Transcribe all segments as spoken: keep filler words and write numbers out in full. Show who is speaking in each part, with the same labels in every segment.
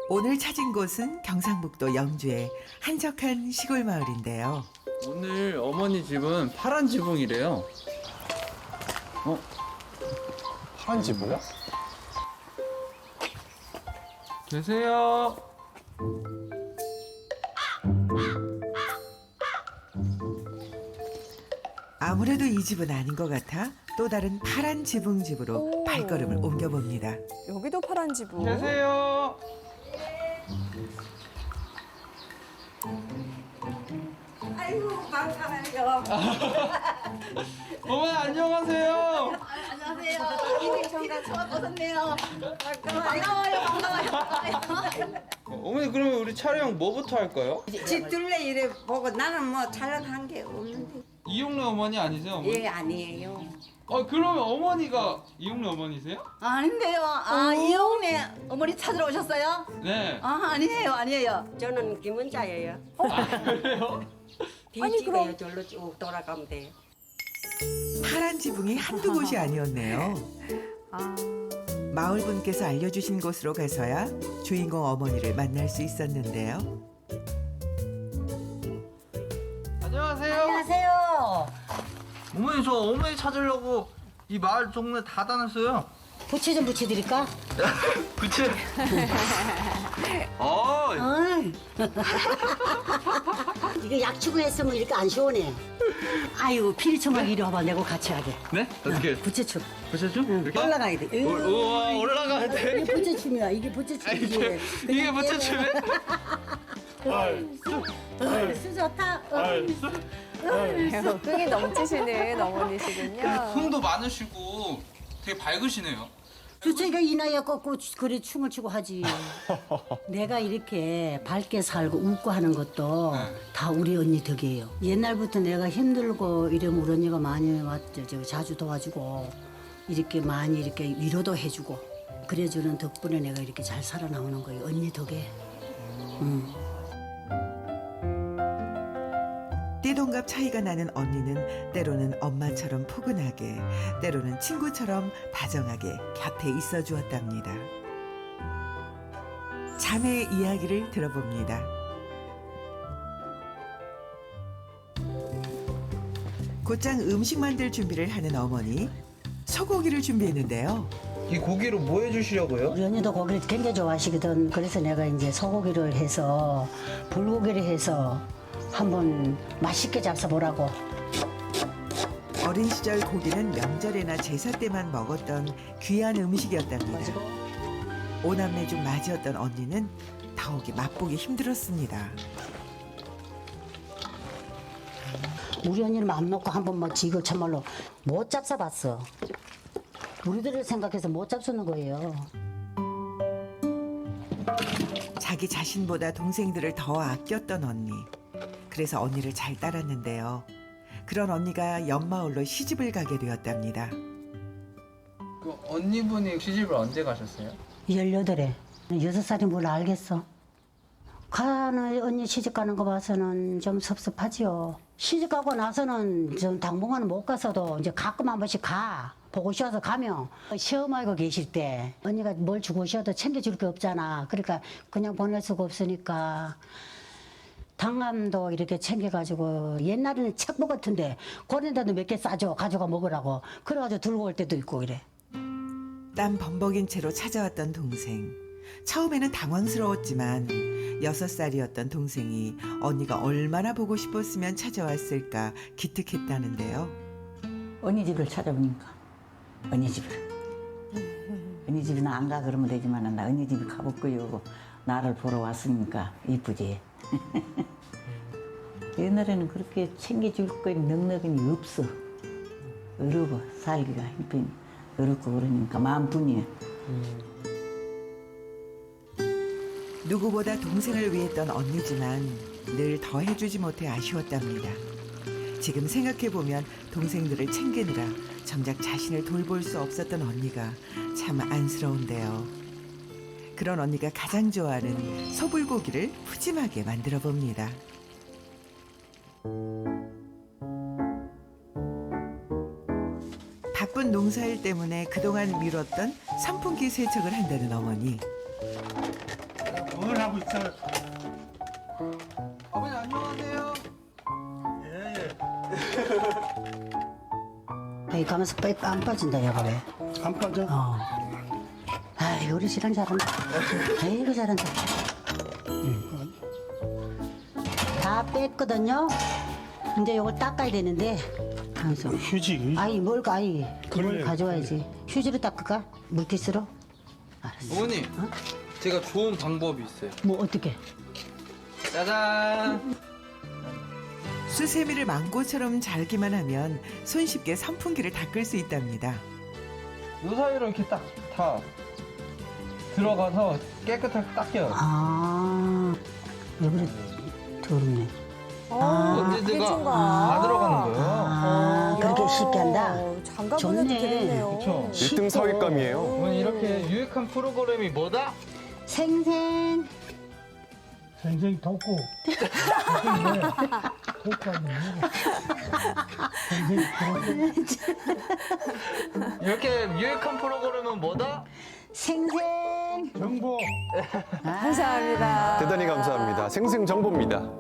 Speaker 1: 오늘 찾은 곳은 경상북도 영주의 한적한 시골 마을인데요.
Speaker 2: 오늘 어머니 집은 파란 지붕이래요. 어?
Speaker 3: 파란 지붕이야?
Speaker 2: 계세요?
Speaker 1: 아무래도 이 집은 아닌 것 같아 또 다른 파란 지붕 집으로
Speaker 4: 오.
Speaker 1: 발걸음을 옮겨봅니다.
Speaker 4: 여기도 파란 지붕.
Speaker 2: 계세요?
Speaker 5: 아이고 반가워요.
Speaker 2: 어머니 안녕하세요.
Speaker 5: 안녕하세요. 이미 정말 처음 오셨네요. 반가워요. 반가워요.
Speaker 2: 어, 어머니 그러면 우리 촬영 뭐부터 할까요?
Speaker 5: 집 둘레 이래 보고 나는 뭐 촬영한 게 없는데.
Speaker 2: 이용래 어머니 아니세요? 어머니?
Speaker 5: 예 아니에요.
Speaker 2: 어 그러면 어머니가 이용래 어머니세요?
Speaker 6: 아닌데요. 아, 이용래 어머니 찾으러 오셨어요?
Speaker 2: 네.
Speaker 6: 아, 아니에요, 아니에요.
Speaker 5: 저는 김은자예요.
Speaker 2: 아 그래요?
Speaker 4: 아니, 그럼-
Speaker 5: 뒤집어요. 절로 쭉 돌아가면 돼요.
Speaker 1: 파란 지붕이 한두 곳이 아니었네요.
Speaker 4: 아,
Speaker 1: 마을 분께서 알려주신 곳으로 가서야 주인공 어머니를 만날 수 있었는데요.
Speaker 2: 안녕하세요.
Speaker 6: 안녕하세요.
Speaker 2: 어머니 저 어머니 찾으려고 이 마을 동네 다 다녔어요.
Speaker 6: 부채 좀 붙여드릴까?
Speaker 2: 그치? 어,
Speaker 6: 어이. 이거 약치고 했으면 이렇게 안 시원해. 아이고, 피리청각 이리 와봐. 내고 같이 하게.
Speaker 2: 네? 어떻게?
Speaker 6: 부채춤.
Speaker 2: 부채춤?
Speaker 6: 응,
Speaker 2: 이렇게?
Speaker 6: 올라가야 돼.
Speaker 2: 올- 우와 올라가야 돼.
Speaker 6: 이게 부채춤이야. 이게 부채춤이지.
Speaker 2: 이게 이게 부채춤이야?
Speaker 6: 수 좋다.
Speaker 4: 끈이 넘치시는 어머니시군요.
Speaker 2: 흥도 많으시고 되게 밝으시네요.
Speaker 6: 주체가 이 나이에 꺾고 그래 춤을 추고 하지. 내가 이렇게 밝게 살고 웃고 하는 것도
Speaker 2: 네.
Speaker 6: 다 우리 언니 덕이에요. 옛날부터 내가 힘들고 이러면 우리 언니가 많이 왔죠. 저 자주 도와주고 이렇게 많이 이렇게 위로도 해주고 그래주는 덕분에 내가 이렇게 잘 살아나오는 거예요. 언니 덕에. 음.
Speaker 1: 띠동갑 차이가 나는 언니는 때로는 엄마처럼 포근하게, 때로는 친구처럼 다정하게 곁에 있어 주었답니다. 자매의 이야기를 들어봅니다. 곧장 음식 만들 준비를 하는 어머니, 소고기를 준비했는데요.
Speaker 2: 이 고기로 뭐 해주시려고요?
Speaker 6: 우리 언니도 고기를 굉장히 좋아하시거든. 그래서 내가 이제 소고기를 해서 불고기를 해서 한번 맛있게 잡숴보라고.
Speaker 1: 어린 시절 고기는 명절이나 제사 때만 먹었던 귀한 음식이었답니다. 오남매 중 맞이었던 언니는 더욱이 맛보기 힘들었습니다.
Speaker 6: 우리 언니는 맘 놓고 한번 막 지금 참말로 못 잡숴봤어. 우리들을 생각해서 못 잡수는 거예요.
Speaker 1: 자기 자신보다 동생들을 더 아꼈던 언니. 그래서 언니를 잘 따랐는데요. 그런 언니가 옆마을로 시집을 가게 되었답니다.
Speaker 2: 그 언니분이 시집을 언제 가셨어요?
Speaker 6: 열여덟에 여섯 살이 뭘 알겠어. 가는 언니 시집 가는 거 봐서는 좀 섭섭하지요. 시집 가고 나서는 좀 당분간은 못 가서도 이제 가끔 한 번씩 가. 보고 싶어서 가면 시어머니가 계실 때 언니가 뭘 주고 싶어도 챙겨줄 게 없잖아. 그러니까 그냥 보낼 수가 없으니까 당감도 이렇게 챙겨가지고 옛날에는 책보 같은데 그런데도 몇 개 싸줘 가져가 먹으라고 그래가지고 들고 올 때도 있고 이래.
Speaker 1: 땀 범벅인 채로 찾아왔던 동생. 처음에는 당황스러웠지만 여섯 살이었던 동생이 언니가 얼마나 보고 싶었으면 찾아왔을까 기특했다는데요.
Speaker 7: 언니 집을 찾아보니까 언니 집을 언니 집에 나 안 가 그러면 되지만 나 언니 집에 가볼 거요. 나를 보러 왔으니까 이쁘지. 옛날에는 그렇게 챙겨줄 거 넉넉이 없어. 어려워 살기가 힘든 어렵고 그러니까 마음뿐이야.
Speaker 1: 누구보다 동생을 위했던 언니지만 늘 더 해주지 못해 아쉬웠답니다. 지금 생각해보면 동생들을 챙기느라 정작 자신을 돌볼 수 없었던 언니가 참 안쓰러운데요. 그런 언니가 가장 좋아하는 소불고기를 푸짐하게 만들어 봅니다. 바쁜 농사일 때문에 그동안 미뤘던 선풍기 세척을 한다는 어머니.
Speaker 2: 어머니 아버님 안녕하세요.
Speaker 6: 여기 가면서 빼안 빠진다 야 그래.
Speaker 3: 안 빠져?
Speaker 6: 어. 아 요리 시간 잘한다. 아이고 잘한다. 응. 다 뺐거든요. 이제 요걸 닦아야 되는데. 하면서.
Speaker 3: 휴지, 휴지.
Speaker 6: 아이 뭘 아이 그걸
Speaker 3: 그래,
Speaker 6: 가져와야지. 휴지로 닦을까? 물티스로? 알았어.
Speaker 2: 어머님,
Speaker 6: 어?
Speaker 2: 제가 좋은 방법이 있어요.
Speaker 6: 뭐 어떻게?
Speaker 2: 짜잔.
Speaker 1: 수세미를 망고처럼 잘기만 하면 손쉽게 선풍기를 닦을 수 있답니다.
Speaker 2: 요 사이로 이렇게 딱 다 들어가서 깨끗하게 닦여요.
Speaker 6: 아 여기를 더럽네.
Speaker 4: 아,
Speaker 2: 언제든가
Speaker 4: 그게 좀
Speaker 2: 다 들어가는 거예요.
Speaker 6: 아 그렇게 쉽게 한다.
Speaker 4: 장갑 보내도
Speaker 6: 좋네.
Speaker 4: 되겠네요.
Speaker 2: 그쵸.
Speaker 3: 일 등 사윗감이에요.
Speaker 2: 어머니 이렇게 유익한 프로그램이 뭐다?
Speaker 6: 생생.
Speaker 3: 생생 덮고. 덮고 하면 생생 덮고.
Speaker 2: 이렇게 유익한 프로그램은 뭐다?
Speaker 6: 생생.
Speaker 3: 정보.
Speaker 4: 감사합니다.
Speaker 3: 대단히 감사합니다. 생생 정보입니다.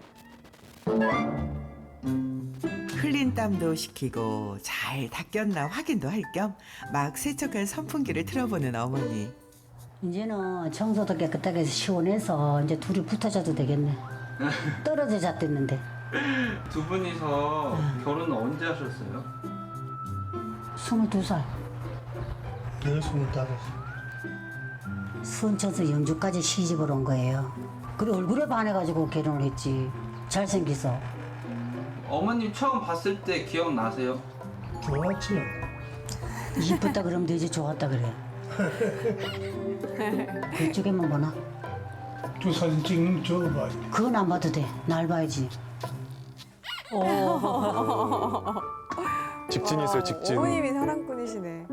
Speaker 1: 흘린 땀도 식히고 잘 닦였나 확인도 할 겸 막 세척한 선풍기를 틀어보는 어머니.
Speaker 6: 이제는 청소도 깨끗하게 해서 시원해서 이제 둘이 붙어 자도 되겠네. 떨어져 잤댔는데.
Speaker 2: 두 분이서 결혼은 언제 하셨어요?
Speaker 6: 스물두 살.
Speaker 3: 내가 스물다섯.
Speaker 6: 순천에서 영주까지 시집을 온 거예요. 그리고 얼굴에 반해가지고 결혼을 했지. 잘생겨서.
Speaker 2: 어머님 처음 봤을 때 기억나세요?
Speaker 3: 좋았지요.
Speaker 6: 이쁘다 그러면 되지 좋았다 그래. 그쪽에만 보나?
Speaker 3: 두 사진 찍는 저거 봐.
Speaker 6: 그건 안 봐도 돼. 날 봐야지.
Speaker 3: 직진이 있어요, 직진.
Speaker 4: 어머님이 사랑꾼이시네.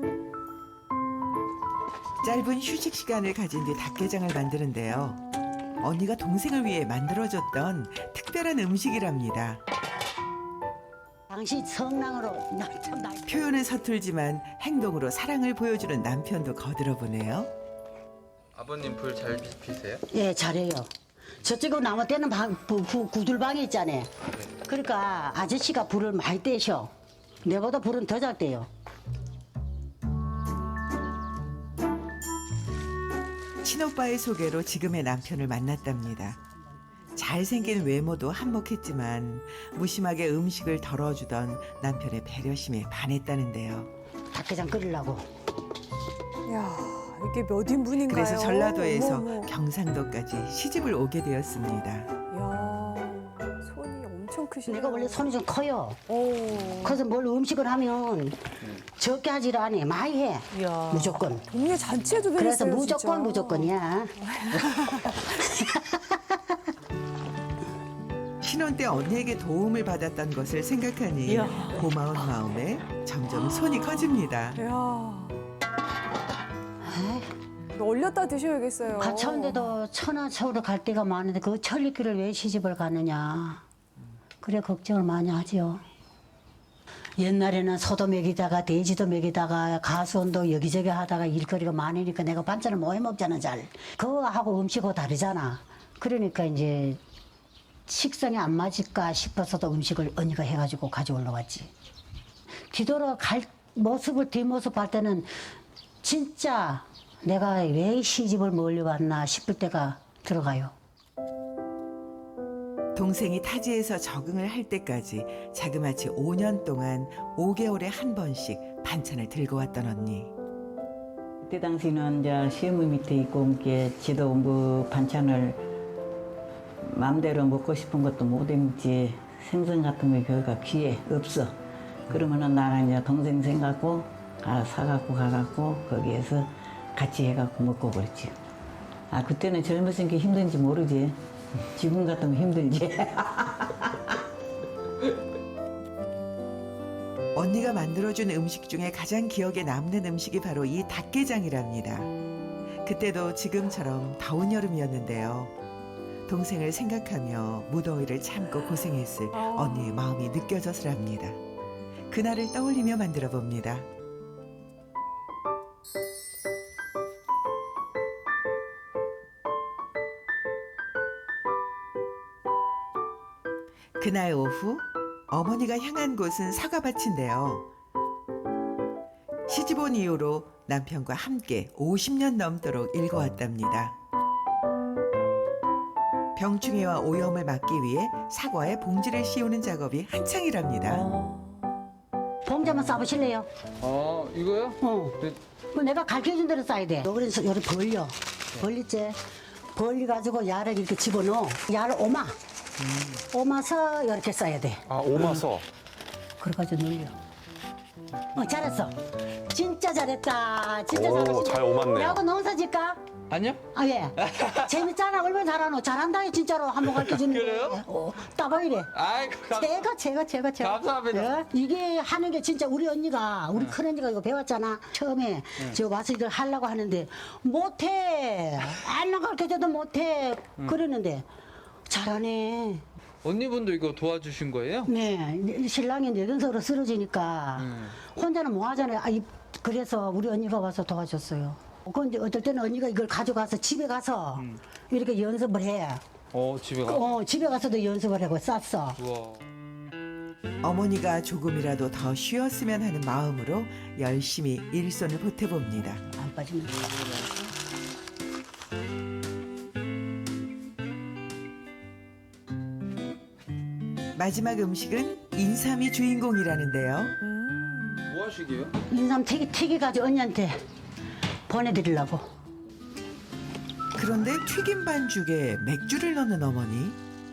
Speaker 1: 짧은 휴식 시간을 가진 뒤 닭게장을 만드는데요. 언니가 동생을 위해 만들어줬던 특별한 음식이랍니다.
Speaker 6: 당신 성랑으로 날참 날.
Speaker 1: 표현은 서툴지만 행동으로 사랑을 보여주는 남편도 거들어보네요.
Speaker 2: 아버님 불 잘 피세요?
Speaker 6: 예, 잘해요. 저쪽에 나무 떼는 방, 부, 부, 구들방이 있잖아요. 그러니까 아저씨가 불을 많이 떼셔. 내보다 불은 더 잘 떼요.
Speaker 1: 친오빠의 소개로 지금의 남편을 만났답니다. 잘생긴 외모도 한몫했지만 무심하게 음식을 덜어주던 남편의 배려심에 반했다는데요.
Speaker 6: 닭게장 끓이려고.
Speaker 4: 야 이게 몇 인분인가요?
Speaker 1: 그래서 전라도에서
Speaker 4: 어머, 어머.
Speaker 1: 경상도까지 시집을 오게 되었습니다.
Speaker 4: 야 손이 엄청 크시네요.
Speaker 6: 내가 원래 손이 좀 커요.
Speaker 4: 오.
Speaker 6: 그래서 뭘 음식을 하면 적게 하지를 않아. 많이 해.
Speaker 4: 야.
Speaker 6: 무조건.
Speaker 4: 동네 잔치에도
Speaker 6: 그래서
Speaker 4: 되겠어요,
Speaker 6: 무조건
Speaker 4: 진짜.
Speaker 6: 무조건이야.
Speaker 1: 신혼 때 언니에게 도움을 받았던 것을 생각하니
Speaker 4: 이야.
Speaker 1: 고마운 마음에 점점 손이 커집니다.
Speaker 4: 야
Speaker 6: 에이,
Speaker 4: 이거 얼렸다 드셔야겠어요.
Speaker 6: 가차운데도 천하 서울을 갈 데가 많은데 그 천리길을 왜 시집을 가느냐. 그래 걱정을 많이 하지요. 옛날에는 소도 먹이다가 돼지도 먹이다가 가수원도 여기저기 하다가 일거리가 많으니까 내가 반찬을 뭐 해먹잖아 잘. 그거하고 음식하고 다르잖아. 그러니까 이제 식성이 안 맞을까 싶어서도 음식을 언니가 해가지고 가져올러 왔지. 뒤돌아 갈 모습을 뒷모습 볼 때는 진짜 내가 왜 시집을 멀리 왔나 싶을 때가 들어가요.
Speaker 1: 동생이 타지에서 적응을 할 때까지 자그마치 오 년 동안 오 개월에 한 번씩 반찬을 들고 왔던 언니.
Speaker 7: 그때 당시는 이제 시어머니 밑에 있고 이렇게 지도 뭐 반찬을 마음대로 먹고 싶은 것도 못 해먹지. 생선 같은 거 별가 귀에 없어. 그러면은 나랑 이제 동생 생각고 가 사갖고 가갖고 거기에서 같이 해갖고 먹고 그랬지. 아 그때는 젊었은 게 힘든지 모르지. 지금 같으면 힘들지.
Speaker 1: 언니가 만들어준 음식 중에 가장 기억에 남는 음식이 바로 이 닭게장이랍니다. 그때도 지금처럼 더운 여름이었는데요. 동생을 생각하며 무더위를 참고 고생했을 언니의 마음이 느껴져서랍니다. 그날을 떠올리며 만들어 봅니다. 그날 오후 어머니가 향한 곳은 사과밭인데요. 시집 온 이후로 남편과 함께 오십 년 넘도록 일궈왔답니다. 병충해와 오염을 막기 위해 사과에 봉지를 씌우는 작업이 한창이랍니다.
Speaker 6: 봉지 한번 싸보실래요?
Speaker 2: 어 이거요?
Speaker 6: 어.
Speaker 2: 네.
Speaker 6: 그 내가 가르쳐준 대로 싸야 돼. 그래서 요리 벌려. 벌리지. 벌려가지고 야를 이렇게 집어넣어. 야를 오마. 오마서 이렇게 싸야 돼.
Speaker 8: 아, 오마서.
Speaker 6: 그래가지고 늘려. 어, 잘했어. 진짜 잘했다. 진짜
Speaker 8: 오,
Speaker 6: 잘했어.
Speaker 8: 잘 오맞네요.
Speaker 6: 야구 농사 짓까?
Speaker 2: 아니요?
Speaker 6: 아, 예. 재밌잖아. 얼마나 잘하노. 잘한다. 진짜로 한번 가르쳐주는 거.
Speaker 2: 그래요?
Speaker 6: 어, 따봉이래.
Speaker 2: 아이 감,
Speaker 6: 제가, 제가, 제가, 제가.
Speaker 2: 감사합니다.
Speaker 6: 예? 이게 하는 게 진짜 우리 언니가, 우리 큰 언니가 이거 배웠잖아. 처음에 저 와서 이걸 하려고 하는데, 못해. 알랑 가르쳐줘도 못해. 그러는데, 잘하네.
Speaker 2: 언니분도 이거 도와주신 거예요?
Speaker 6: 네. 신랑이 뇌경색으로 쓰러지니까, 혼자는 뭐 하잖아요. 아, 이- 그래서 우리 언니가 와서 도와줬어요. 근데 어떨 때는 언니가 이걸 가져가서 집에 가서 이렇게 연습을 해.
Speaker 2: 어 집에 가.
Speaker 6: 어, 집에 가서도 연습을 하고 쌌어.
Speaker 2: 우와.
Speaker 1: 어머니가 조금이라도 더 쉬었으면 하는 마음으로 열심히 일손을 보태봅니다.
Speaker 6: 안 빠지면.
Speaker 1: 마지막 음식은 인삼이 주인공이라는데요.
Speaker 2: 뭐 하시게요?
Speaker 6: 인삼 튀기, 튀기가지고 언니한테 보내드리려고.
Speaker 1: 그런데 튀김 반죽에 맥주를 넣는 어머니.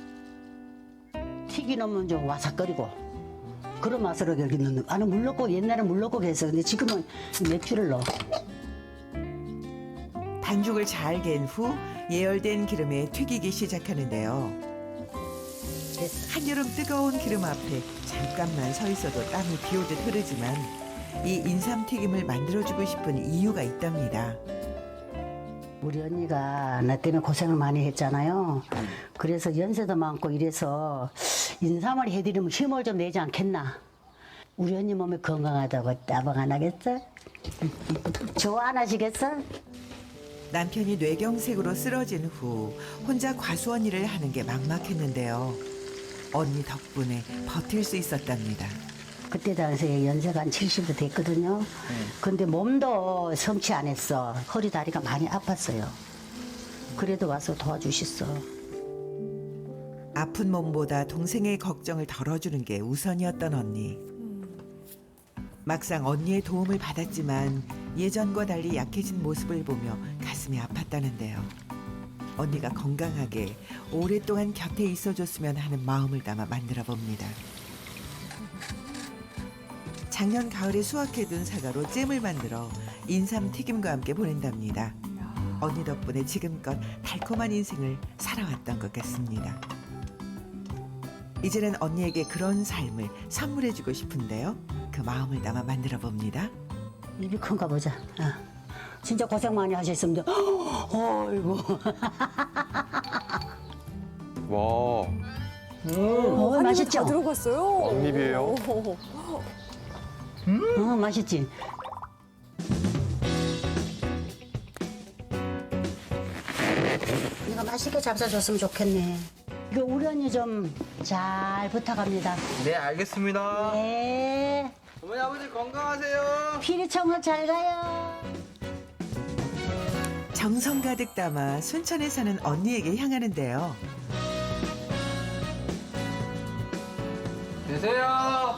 Speaker 6: 튀기 넣으면 좀 와삭거리고. 그런 맛으로 여기 넣는. 아니, 물 넣고, 옛날에 물 넣고 했어. 근데 지금은 맥주를 넣어.
Speaker 1: 반죽을 잘 갠 후 예열된 기름에 튀기기 시작하는데요. 한여름 뜨거운 기름 앞에 잠깐만 서 있어도 땀이 비오듯 흐르지만 이 인삼튀김을 만들어주고 싶은 이유가 있답니다.
Speaker 6: 우리 언니가 나 때문에 고생을 많이 했잖아요. 그래서 연세도 많고 이래서 인삼을 해드리면 힘을 좀 내지 않겠나. 우리 언니 몸이 건강하다고 따봉 안 하겠어? 좋아 안 하시겠어?
Speaker 1: 남편이 뇌경색으로 쓰러진 후 혼자 과수원 일을 하는 게 막막했는데요. 언니 덕분에 버틸 수 있었답니다.
Speaker 6: 그때 당시에 연세가 한 칠십도 됐거든요. 근데 몸도 성취 안 했어. 허리 다리가 많이 아팠어요. 그래도 와서 도와주셨어.
Speaker 1: 아픈 몸보다 동생의 걱정을 덜어주는 게 우선이었던 언니. 막상 언니의 도움을 받았지만 예전과 달리 약해진 모습을 보며 가슴이 아팠다는데요. 언니가 건강하게 오랫동안 곁에 있어줬으면 하는 마음을 담아 만들어 봅니다. 작년 가을에 수확해둔 사과로 잼을 만들어 인삼 튀김과 함께 보낸답니다. 언니 덕분에 지금껏 달콤한 인생을 살아왔던 것 같습니다. 이제는 언니에게 그런 삶을 선물해주고 싶은데요. 그 마음을 담아 만들어 봅니다.
Speaker 6: 입이 큰가 보자. 어. 진짜 고생 많이 하셨습니다. 어이구.
Speaker 8: 와,
Speaker 6: 어,
Speaker 4: 한 입에
Speaker 6: 맛있죠?
Speaker 4: 다 들어갔어요.
Speaker 8: 왕립이에요?
Speaker 6: 어, 맛있지? 내가 맛있게 잡숴줬으면 좋겠네. 이거 우리 언니 좀 잘 부탁합니다.
Speaker 2: 네 알겠습니다.
Speaker 6: 네.
Speaker 2: 어머니 아버지 건강하세요.
Speaker 6: 피리청을 잘 가요.
Speaker 1: 정성 가득 담아 순천에 사는 언니에게 향하는데요.
Speaker 2: 계세요.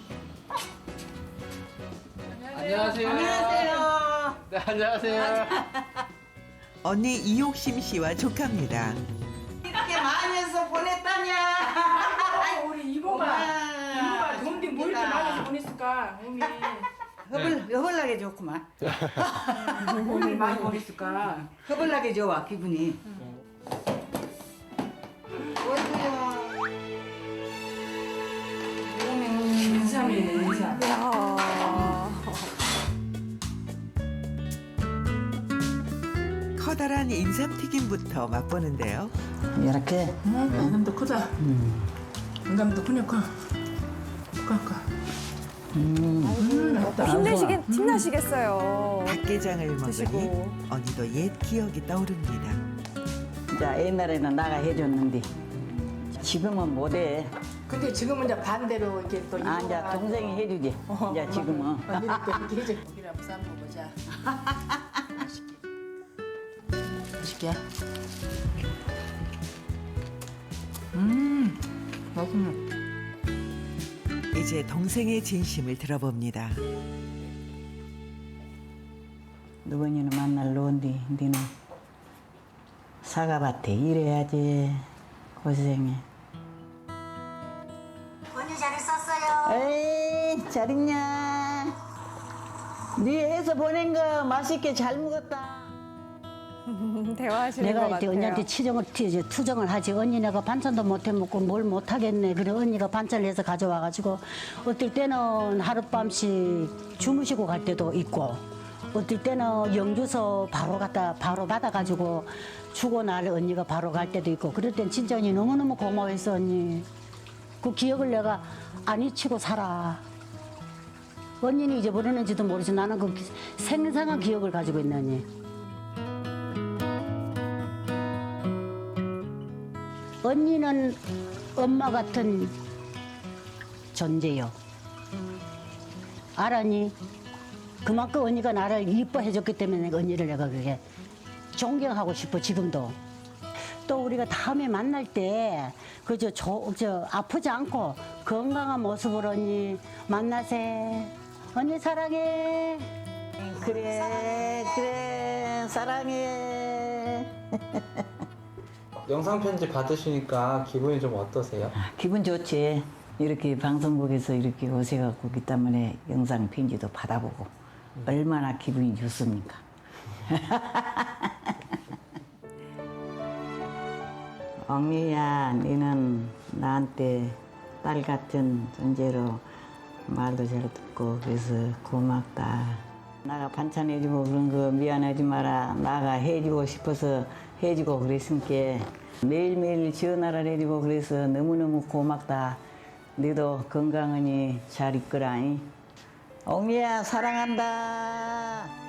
Speaker 2: 안녕하세요. 안녕하세요. 네 안녕하세요.
Speaker 1: 언니 이옥심 씨와 조카입니다.
Speaker 5: 이렇게 많이 해서 보냈다냐.
Speaker 9: 우리 이모가 이모가 돈비 뭐 이렇게 많이 보냈을까 몸이
Speaker 5: 허벌, 허벌나게 좋구만.
Speaker 9: 몸이 많이 보냈을까.
Speaker 5: 허벌나게 좋아 기분이. 어디야.
Speaker 9: 인삼이네 인삼.
Speaker 4: 야.
Speaker 1: 커다란 인삼튀김부터 맛보는데요.
Speaker 6: 이렇게.
Speaker 9: 인삼도 크다. 인삼도 크니까 그러니까.
Speaker 4: 또 힘내시긴 힘나시겠어요.
Speaker 1: 닭게장을 먹으니
Speaker 4: 드시고.
Speaker 1: 언니도 옛 기억이 떠오릅니다.
Speaker 7: 자, 옛날에는 나가 해줬는데 지금은 못해.
Speaker 9: 근데 지금은 이제 반대로 이렇게 또
Speaker 7: 아, 이제
Speaker 9: 이모가
Speaker 7: 동생이 해주지.
Speaker 9: 어,
Speaker 7: 이제 지금은.
Speaker 9: 언니는 또 이렇게 해줘. 고기를 한번 싸 먹어보자. 맛있게. 맛있게. 음, 맛있네.
Speaker 1: 이제 동생의 진심을 들어봅니다.
Speaker 7: 누구니는 만날 놓은디 니는 사과밭에 일해야지. 고생해.
Speaker 6: 언니 잘 있었어요.
Speaker 7: 에이, 잘 있냐? 네 해서 보낸 거 맛있게 잘 먹었다.
Speaker 4: 대화하시는 것
Speaker 6: 내가 이제
Speaker 4: 같아요.
Speaker 6: 언니한테 치정을 이제 투정을 하지. 언니 내가 반찬도 못 해 먹고 뭘 못 하겠네. 그래 언니가 반찬을 해서 가져와 가지고 어떨 때는 하룻밤씩 주무시고 갈 때도 있고 어떨 때는 영주서 바로 갖다 바로 받아 가지고 주고 날 언니가 바로 갈 때도 있고 그럴 땐 진짜 언니 너무너무 고마워했어 언니. 그 기억을 내가 안 잊히고 살아. 언니는 잊어버렸는지도 모르지 나는 그 생생한 기억을 가지고 있네 언니. 언니는 엄마 같은 존재요. 알았니? 그만큼 언니가 나를 이뻐해줬기 때문에 내가 언니를 내가 그게 존경하고 싶어 지금도. 또 우리가 다음에 만날 때 그저 저, 저 아프지 않고 건강한 모습으로 언니 만나세. 언니 사랑해.
Speaker 7: 그래, 그래, 사랑해.
Speaker 2: 영상 편지 받으시니까 기분이 좀 어떠세요?
Speaker 7: 기분 좋지. 이렇게 방송국에서 이렇게 오셔갖고 기 때문에 영상 편지도 받아보고 얼마나 기분이 좋습니까? 엉이야, 너는 나한테 딸 같은 존재로 말도 잘 듣고 그래서 고맙다. 나가 반찬 해주고 그런 거 미안하지 마라. 나가 해주고 싶어서 해주고 그랬으니까 매일매일 전화를 해주고 그래서 너무너무 고맙다. 너도 건강하니 잘 있거라. 엉이야 사랑한다.